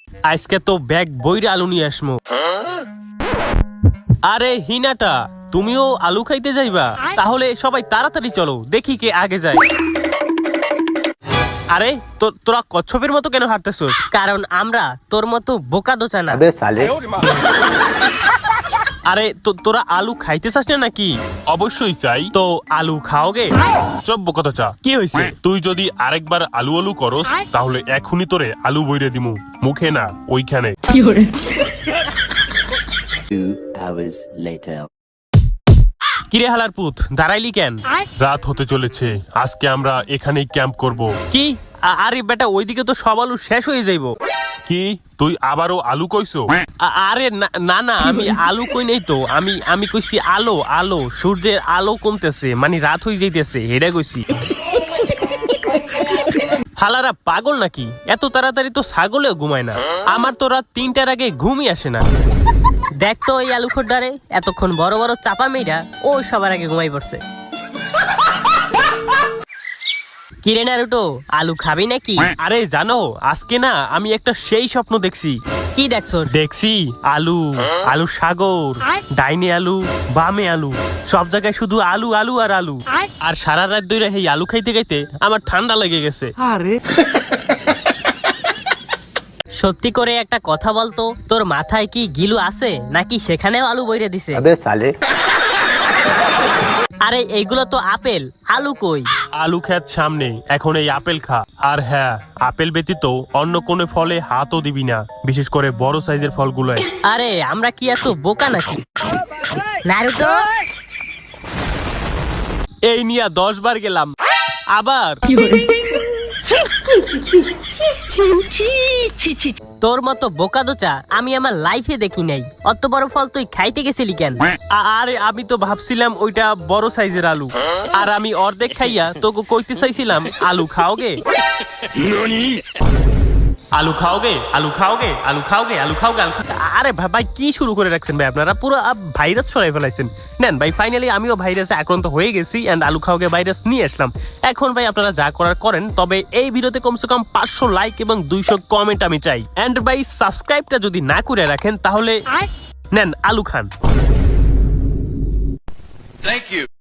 আজকে তো ব্যাগ বইরে আলু নিয়ে আসমো। আরে হিনাটা, তুমিও আলু খাইতে যাইবা? তাহলে সবাই তাড়াতাড়ি চলো, দেখি কে আগে যায়। আরে তোরা কচ্ছপের মতো কেন হাঁটতেছস? কারণ আমরা তোর মতো বোকা দোচা না। আরে তোরা আলু খাইতে চাস না নাকি? অবশ্যই চাই। তো আলু খাওগে? চব্য কথা চা। কি হয়েছে? তুই যদি আরেকবার আলু আলু করস তাহলে এখনই তোরে আলু বইরে দিমু, মুখে না ওইখানে। 2 hours later. কিরে হালার পুত, দাঁড়াইলি কেন? রাত হতে চলেছে, আজকে আমরা এখানেই ক্যাম্প করব। কি? আরে বেটা, ওইদিকে তো সব আলু শেষ হয়ে যাইবো। কি তুই আবারও আলু কইছো? আরে না, আমি আলু কই নাই তো, আমি কইছি আলো, সূর্যের আলো কমতেছে, মানে রাত হয়ে যাইতেছে, এটা কইছি। হালারা পাগল নাকি? এত তাড়াতাড়ি তো ছাগলেও ঘুমায় না। আমার তো রাত 3টার আগে ঘুমই আসে না। দেখ তো ওই আলু খোরদারে, এতক্ষণ বড় বড় চাপা মেয়েরা ও সবার আগে ঘুমাই পড়ছে। কিরে নারুটো, আলু খাবি নাকি? আরে জানো, আজকে না আমি একটা সেই স্বপ্ন দেখছি। কি দেখছো? দেখছি আলু সাগর, ডাইনে আলু, বামে আলু, সব জায়গায় শুধু আলু আর আলু। আর সারা রাত ধরে এই আলু খাইতে খাইতে আমার ঠান্ডা লেগে গেছে। সত্যি করে একটা কথা বলতো, তোর মাথায় কি গিলু আছে নাকি সেখানেও আলু বইরে দিছে? আরে এইগুলো তো আপেল, আলু কই? আলু খেত সামনে, এখন এই আপেল খা। আর হ্যাঁ, আপেল ব্যতীত অন্য কোনো ফলে হাতও দিবি না, বিশেষ করে বড় সাইজের ফলগুলোয়। আরে আমরা কি এত বোকা নাকি? নারুতো, এই নিয়া 10 বার গেলাম, আবার। তোর মতো বোকা দোচা আমি আমার লাইফে দেখি নাই। অত বড় ফল তুই খাইতে গেছিলি কেন? আরে আমি তো ভাবছিলাম ওইটা বড় সাইজের আলু, আর আমি অর্ধেক খাইয়া তোকে কইতে চাইছিলাম আলু খাওগে। আলু খাওগে। আরে ভাই কি শুরু করে রাখছেন ভাই, আপনারা পুরো ভাইরাস ছড়াই ফেলাইছেন। নেন ভাই, ফাইনালি আমিও ভাইরাসে আক্রান্ত হয়ে গেছি এন্ড আলু খাওগে ভাইরাস নিয়ে আসলাম। এখন ভাই আপনারা যা করার করেন, তবে এই ভিডিওতে কমসে কম 500 লাইক এবং 200 কমেন্ট আমি চাই। এন্ড ভাই সাবস্ক্রাইবটা যদি না করে রাখেন তাহলে নেন আলু খান।